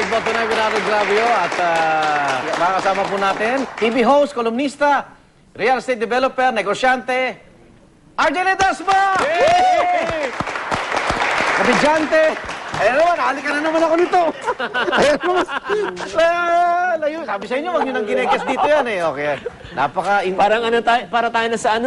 Basketball Tonight with Ate Gravio at makakasama po natin, TV host, kolumnista, real estate developer, negosyante, RJ Ledesma! Kapidyante! Ayan naman, halika na naman ako nito. Ayan naman. Layo. Sabi sa inyo, wag nyo nang ginekes dito yan eh. Okay. Parang ano tayo, para tayo na sa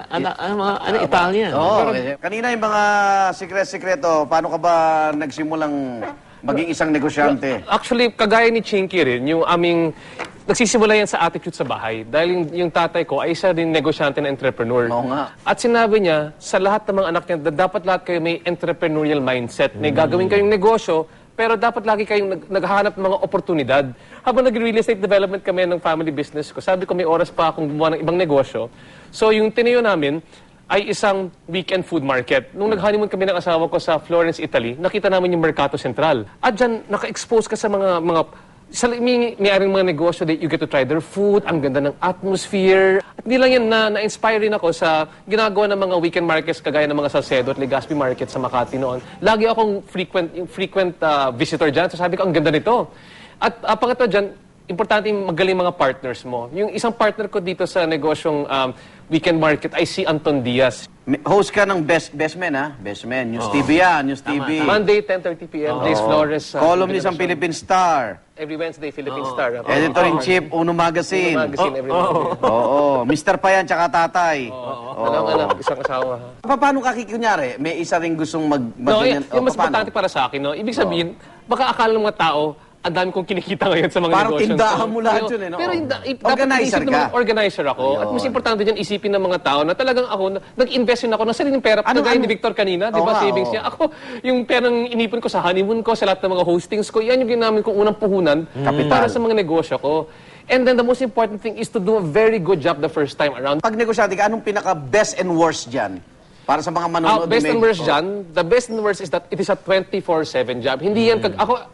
Italia. Oo. Kanina yung mga sikreto, paano ka ba nagsimulang maging isang negosyante? Actually, kagaya ni Chinky rin, yung aming nagsisimula yan sa attitude sa bahay. Dahil yung tatay ko ay isa din negosyante na entrepreneur. Oo nga. At sinabi niya, sa lahat ng mga anak niya, dapat lahat kayo may entrepreneurial mindset. May gagawin kayong negosyo, pero dapat lagi kayong naghahanap ng mga oportunidad. Habang nag-real estate development kami ng family business ko, sabi ko may oras pa akong gumawa ng ibang negosyo. So yung tinayo namin ay isang weekend food market. Nung nag-honeymoon kami ng asawa ko sa Florence, Italy, nakita namin yung Mercato Central. At dyan, naka-expose ka sa mga sa may-aring mga negosyo that you get to try their food, ang ganda ng atmosphere. At hindi lang yan, na-inspire rin ako sa ginagawa ng mga weekend markets kagaya ng mga Salcedo at Legazpi Market sa Makati noon. Lagi akong frequent visitor dyan. So sabi ko, ang ganda nito. At pangatlo dyan, importante yung magaling mga partners mo. Yung isang partner ko dito sa negosyong weekend market ay si Anton Diaz. Host ka ng Best Men, ha? Best Men. News TV yan, News TV. Monday, 10:30 p.m. Days Flores. Columnist ng Philippine Star. Every Wednesday, Philippine Star. Editor-in-Chief, Uno Magazine. Magazine every Monday. Oo. Mr. Payan, tsaka tatay. Walang anak, isang asawa. Paano ka kunyari? May isa rin gustong No, yung mas importante para sa akin, no? Ibig sabihin, baka akala ng mga tao, ang dami kong kinikita ngayon sa mga parang negosyo. Parang tindahan mo lahat yun, eh, no? Pero organizer ka. Organizer ako. At mas importante dyan, isipin ng mga tao na talagang ako, nag-invest yun ako ng sariling pera. Kagaya ni Victor kanina, di ba, savings niya. Ako, yung perang inipon ko sa honeymoon ko, sa lahat ng mga hostings ko, yan yung ginamit kong unang puhunan para sa mga negosyo ko. And then the most important thing is to do a very good job the first time around. Pag negosyante ka, anong pinaka-best and worst dyan? Para sa mga manonood. Best and worst dyan, the best and worst is that it is a 24/7 job. Hindi yan,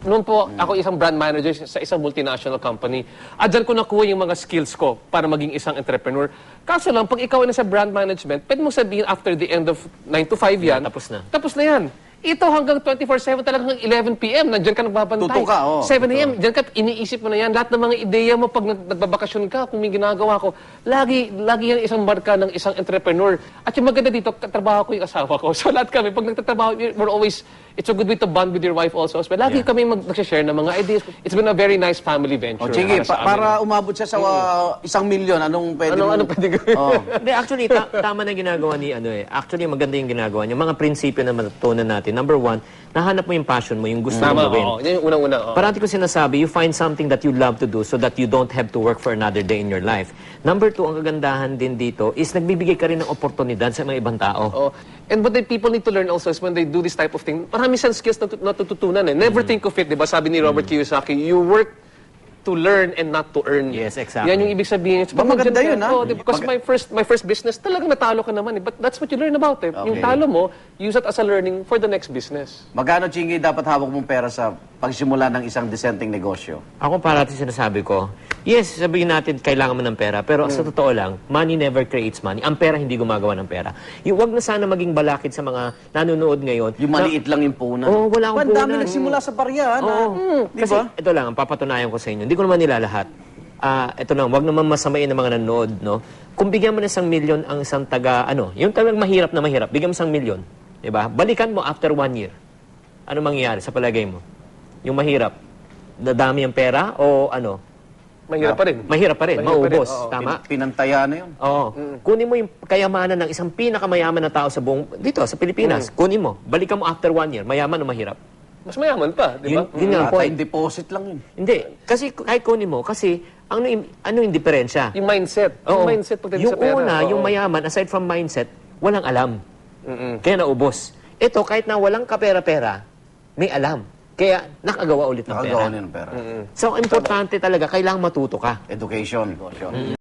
ako isang brand manager sa isang multinational company. At dyan ko nakuha yung mga skills ko para maging isang entrepreneur. Kaso lang, pag ikaw ay nasa brand management, pwede mong sabihin after the end of 9 to 5 yan, tapos na. Tapos na yan. Ito hanggang 24/7 talagang 11 p.m. Nandiyan ka nagbabantay. Tuto ka, 7 a.m. Diyan ka, iniisip mo na yan. Lahat ng mga ideya mo pag nagbabakasyon ka, kung may ginagawa ko, lagi yan isang marka ng isang entrepreneur. At yung maganda dito, katrabaho ko yung asawa ko. So lahat kami, pag nagtatrabaho, we're always, it's a good way to bond with your wife also. So, lagi kami nagsashare ng mga ideas. It's been a very nice family venture. Sige, para umabot siya sa 1 million, anong pwede mo? Anong pwede gawin? Hindi, actually, tama na ginagawa ni Actually, maganda yung ginagawa niya. Mga prinsipyo na matutunan natin. Number one, nahanap mo yung passion mo, yung gusto mo gawin. Yan yung unang-una. Parati ko sinasabi, you find something that you love to do so that you don't have to work for another day in your life. Number two, ang kagandahan din dito is nagbibigay ka rin ng oportunidad sa mga ibang tao. And what the people need to learn also is when they do this type of thing, marami siyang skills na natututunan eh. Never think of it, di ba? Sabi ni Robert Kiyosaki, you work to learn and not to earn. Yes, exactly. Yan yung ibig sabihin. Maganda yun, ha? Because my first business, talagang natalo ka naman eh. But that's what you learn about it. Yung talo mo, use it as a learning for the next business. Magkano, Chingy, dapat hawak mong pera sa pagsimula ng isang disenteng negosyo? Ako parati sinasabi ko, yes, sabihin natin kailangan mo ng pera, pero sa totoo lang, money never creates money. Ang pera hindi gumagawa ng pera. Yung wag na sana maging balakid sa mga nanonood ngayon. Yung maliit lang yung punan. Wala akong punan. Ang dami nagsimula sa barya, di Kasi ba? ito lang, ang papatunayan ko sa inyo. Hindi ko naman nila lahat. Ito lang, wag naman masamain ng mga nanonood, no? Kung bigyan mo ng 1 million ang isang yung talagang mahirap na mahirap, bigyan mo 1 million, di ba? Balikan mo after 1 year. Ano mangyayari sa palagay mo? Yung mahirap, dadami ang pera o ano? Mahirap pa rin. Mahirap pa rin, maubos. Tama? Pinantaya na yun. Oo. Kunin mo yung kayamanan ng isang pinakamayaman na tao sa dito, sa Pilipinas. Kunin mo. Balikan mo after 1 year. Mayaman o mahirap? Mas mayaman pa, di ba? Yun nga ang point. Deposit lang yun. Hindi. Kasi kahit kunin mo, kasi ano yung diferensya? Yung mindset. Oo. Yung mindset pagdating Yung sa pera. una, yung mayaman, aside from mindset, walang alam. Kaya naubos. Ito, kahit na walang kapera-pera, may alam. Kaya nakagawa ulit ng pera. Nakagawa niya ng pera. So, importante talaga, kailangang matuto ka. Education.